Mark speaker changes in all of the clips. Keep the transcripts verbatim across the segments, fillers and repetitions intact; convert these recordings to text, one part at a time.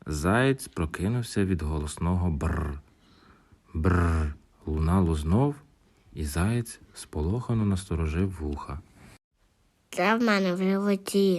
Speaker 1: Заєць прокинувся від голосного бррр. Бррр лунало знов, і заєць сполохано насторожив вуха.
Speaker 2: Це в мене в животі.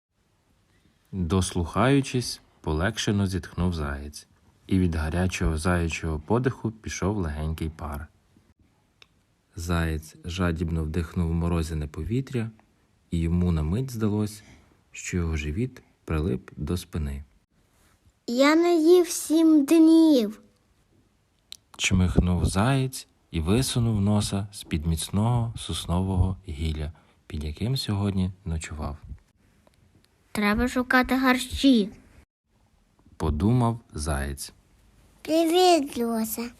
Speaker 1: Дослухаючись, полегшено зітхнув заєць, і від гарячого заячого подиху пішов легенький пар. Заєць жадібно вдихнув морозяне повітря, і йому на мить здалось, що його живіт прилип до спини.
Speaker 2: Я не їв сім днів.
Speaker 1: Чмихнув заєць і висунув носа з-під міцного соснового гілля, під яким сьогодні ночував.
Speaker 2: Треба шукати гарчі.
Speaker 1: Подумав заєць.
Speaker 2: Привіт, Люся.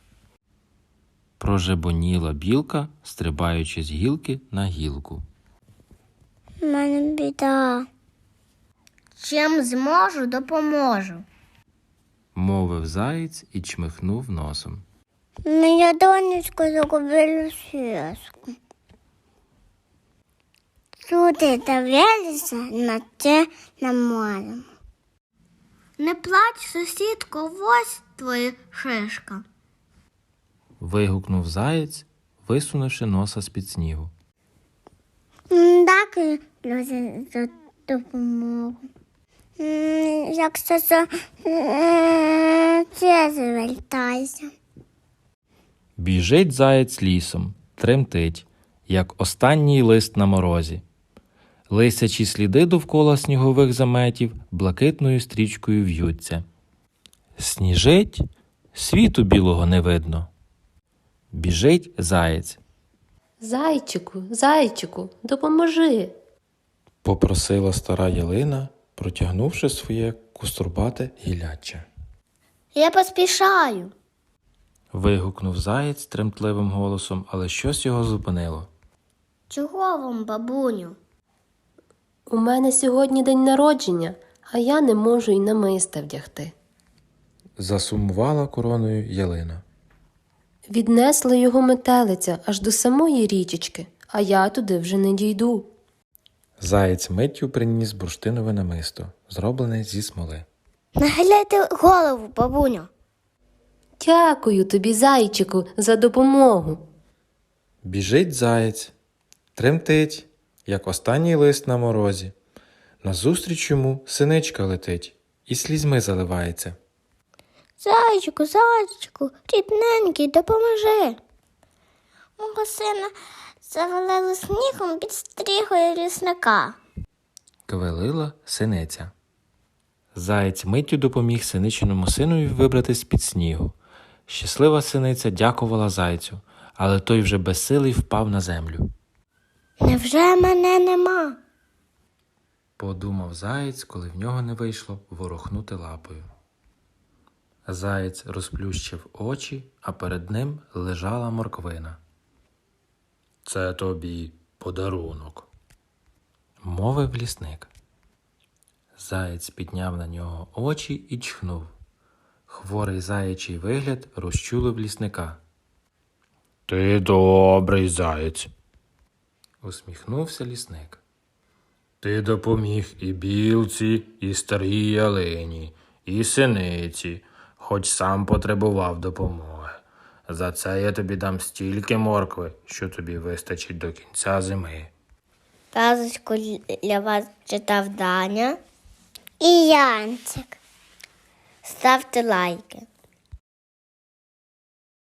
Speaker 1: Прожебоніла білка, стрибаючи з гілки на гілку.
Speaker 2: У мене біда. Чим зможу, допоможу.
Speaker 1: Мовив заєць і чмихнув носом.
Speaker 2: Моя донечка загубила связку. Люди дивилися на це на море. Не плач, сусідко, ось твоя шишка.
Speaker 1: Вигукнув заєць, висунувши носа з-під снігу.
Speaker 2: Дякую, Люся, за допомогу. Якщо це, це звертайся.
Speaker 1: Біжить заєць лісом, тремтить, як останній лист на морозі. Лисячі сліди довкола снігових заметів блакитною стрічкою в'ються. Сніжить, світу білого не видно. Біжить заєць.
Speaker 3: Зайчику, зайчику, допоможи.
Speaker 1: Попросила стара ялина, протягнувши своє кустурбате гілляччя.
Speaker 2: Я поспішаю.
Speaker 1: Вигукнув заєць тремтливим голосом, але щось його зупинило.
Speaker 2: Чого вам, бабуню?
Speaker 3: У мене сьогодні день народження, а я не можу й намиста вдягти.
Speaker 1: Засумувала короною ялина.
Speaker 3: Віднесла його метелиця аж до самої річечки, а я туди вже не дійду.
Speaker 1: Заєць миттю приніс бурштинове намисто, зроблене зі смоли.
Speaker 2: Нахиляйте голову, бабуню.
Speaker 3: Дякую тобі, зайчику, за допомогу.
Speaker 1: Біжить заєць, тремтить, як останній лист на морозі. Назустріч йому синичка летить і слізьми заливається.
Speaker 2: Зайчику, зайчику, рідненький, допоможи. Мого сина завалили снігом під стріхою лісника.
Speaker 1: Квелила синиця. Заєць миттю допоміг синичиному синові вибратись з-під снігу. Щаслива синиця дякувала зайцю, але той вже безсилий впав на землю.
Speaker 2: Невже мене нема?
Speaker 1: Подумав заєць, коли в нього не вийшло ворухнути лапою. Заєць розплющив очі, а перед ним лежала морквина. «Це тобі подарунок», – мовив лісник. Заєць підняв на нього очі і чхнув. Хворий заячий вигляд розчулив лісника. «Ти добрий заєць», – усміхнувся лісник. «Ти допоміг і білці, і старій ялині, і синиці, хоч сам потребував допомоги. За це я тобі дам стільки моркви, що тобі вистачить до кінця зими».
Speaker 2: Казочку для вас читав Даня і Янчик. Ставте лайки.